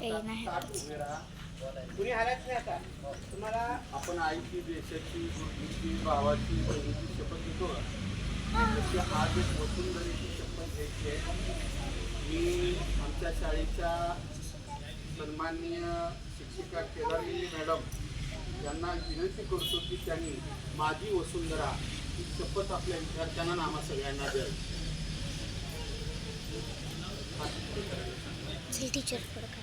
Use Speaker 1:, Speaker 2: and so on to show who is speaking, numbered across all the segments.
Speaker 1: कुणी हालाच नाही आता तुम्हाला. आपण आईची, देशाची, गुरुची, भावाची, बहिणीची शपथ घेतो तशी आज एक वसुंधरेची शपथ घ्यायची आहे. मी आमच्या शाळेच्या सन्माननीय शिक्षिका केदारगिरी मॅडम यांना विनंती करतो की त्यांनी माझी वसुंधरा ही शपथ आपल्या विद्यार्थ्यांना आम्हा सगळ्यांना द्यावी.
Speaker 2: टीचर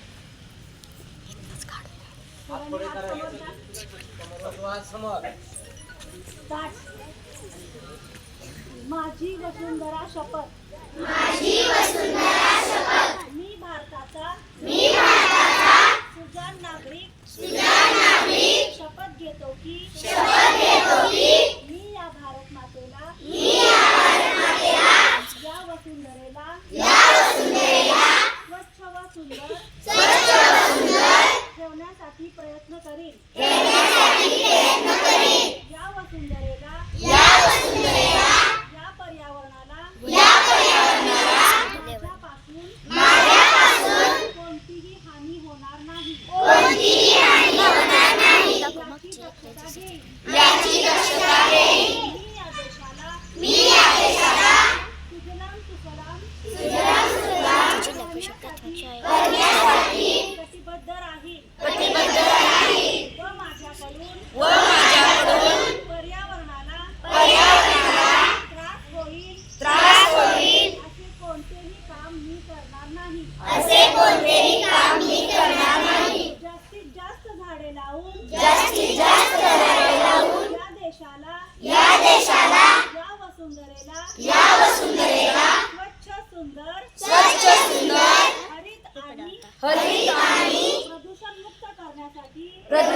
Speaker 3: माझी वसुंधरा शपथ. मी भारताचा सुजाण नागरिक शपथ घेतो की मी या भारत मातेला या वसुंधरेला स्वच्छ व सुंदर ठेवण्यासाठी प्रयत्न करीन. या वसुंधरेला या पर्यावरणाला माझ्यापासून कोणतीही हानी होणार नाही याची दक्षता घेईन. मी या देशाला सुजलाम सुफलाम करण्यासाठी कटिबद्ध राहील व माझ्याकडून पर्यावरणाला त्रास होईल असे कोणतेही काम मी करणार नाही. जास्तीत जास्त झाडे लावून या देशाला या वसुंधरेला स्वच्छ सुंदर हरित आणि प्रदूषण मुक्त करण्यासाठी